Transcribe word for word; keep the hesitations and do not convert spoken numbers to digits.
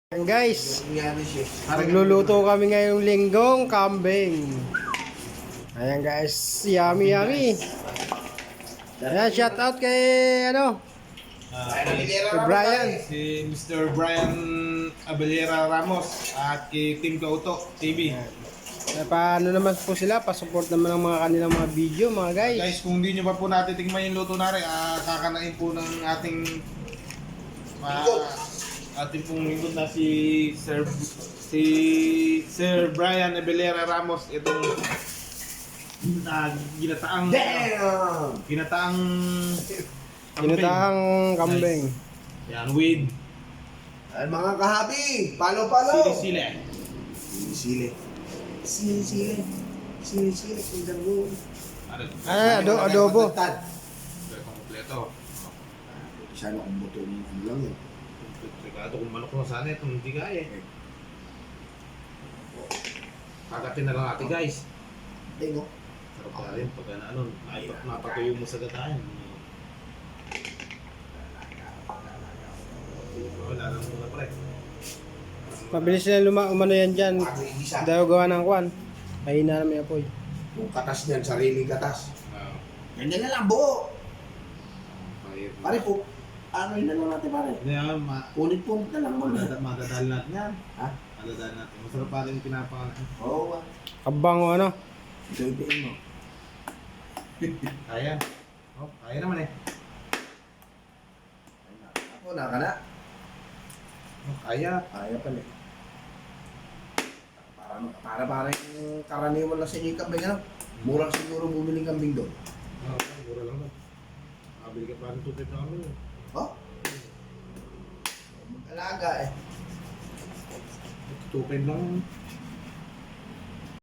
Ayan guys, nagluluto kami ngayong linggong kambing. Ayan guys, yummy yummy. Ayan, shout out kay ano, kay Brian. Si Mister Brian Abelera Ramos at kay Team Kauto T V. Eh, paano naman po sila, pasupport naman ng mga kanilang mga video mga guys. Guys, kung hindi nyo pa po natin tingnan yung luto natin, uh, kakanain po ng ating uh, ating pong lingkod na si Sir si Sir Brian Abelera Ramos, itong uh, ginataang Damn! ginataang Ginataang kambing. yan with Ay, mga kahabi, palo-palo. sili-sili. Sili-sili. Sili-sili. Sili-sili. Tingnan mo. Ano? Ah, ado adobo. Tad. Kompleto. Sana kung buto mo ano lang yun. Sigado kung manok na sana itong hindi kaya eh. Kagatin na lang natin guys. Tingo. Sarap ka rin pag ano, maipat mapatuyo mo sa gatayan. Wala lang muna pre. Mabilis na luma umano yan dyan. Bago igisa. Dahil gawa ng kwan. Mahina naman yung apoy. Yung katas niyan, sariling katas. Ah, Ganyan na lang, buo. pare. Pare po, ano yun na lang natin pare? Hindi ah, ma Punit-punit na lang mo. madadal madadal natin yan. Ha? Madadal natin. Masarap pa rin pinapangalan. Oo. ah. Kabang o ano. Ito-itoin mo. Kaya. Oh, kaya naman eh. Ako, naka na. Oh, kaya. Kaya pala eh. Para, para para yung karaniwan lang sa inyo yung kambing, ano? Murang siguro bumili ng kambing doon. Oh, mura lang lang. Makabili ka pa ng tubig na kami. Oh? Mag-alaga eh. Tupid lang.